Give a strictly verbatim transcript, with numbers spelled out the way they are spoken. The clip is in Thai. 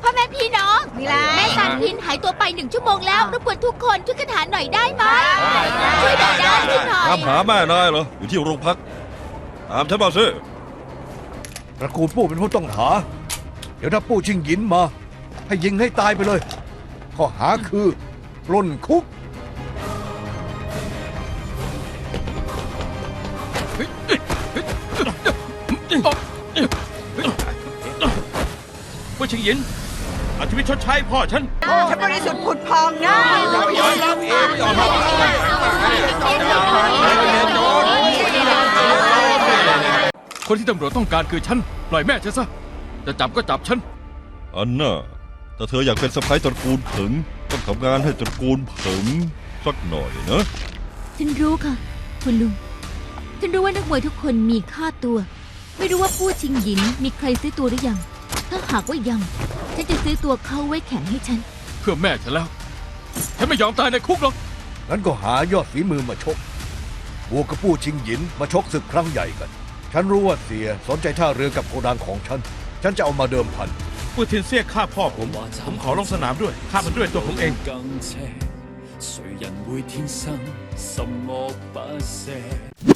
พ่อแม่พี่น้องมีอะไรแม่ซานพินหายตัวไปหนึ่งชั่วโมงแล้วรบกวนทุกคนช่วยกันหาหน่อยได้ไหมช่วยหน่อยได้ช่วยหน่อยตามหาแม่นายเหรออยู่ที่โรงพักตามฉันมาสิตระกูลปู่เป็นผู้ต้องหา เดี๋ยวถ้าปู่ชิงหยินมา ให้ยิงให้ตายไปเลย ข้อหาคือปล้นคุกผู้ชิงหยินเอาชีวิตชดใช้พ่อฉันฉันบริสุทธิ์ผุดพองนะคนที่ตำรวจต้องการคือฉัน ปล่อยแม่ฉันซะ จะจับก็จับฉันอันน่ะแต่เธออยากเป็นสะใภ้ตระกูลผึงต้องทำงานให้ตระกูลผึงสักหน่อยนะฉันรู้ค่ะ คุณลุง ฉันรู้ว่านักมวยทุกคนมีค่าตัว ไม่รู้ว่าผู้ชิงหยินมีใครซื้อตัวหรือยัง ถ้าหากว่ายัง ฉันจะซื้อตัวเขาไว้แข่งให้ฉันเพื่อแม่ฉันแล้ว ฉันไม่ยอมตายในคุกหรอกงั้นก็หายอดฝีมือมาชก บวกกับปู่ชิงหยินมาชกศึกครั้งใหญ่กัน ฉันรู้ว่าเสียสนใจท่าเรือกับโกดังของฉัน ฉันจะเอามาเดิมพันปูทินเสียฆ่าพ่อผม ผมขอลงสนามด้วยฆ่ามันด้วยตัวผมเอง谁人會天生什麼不捨？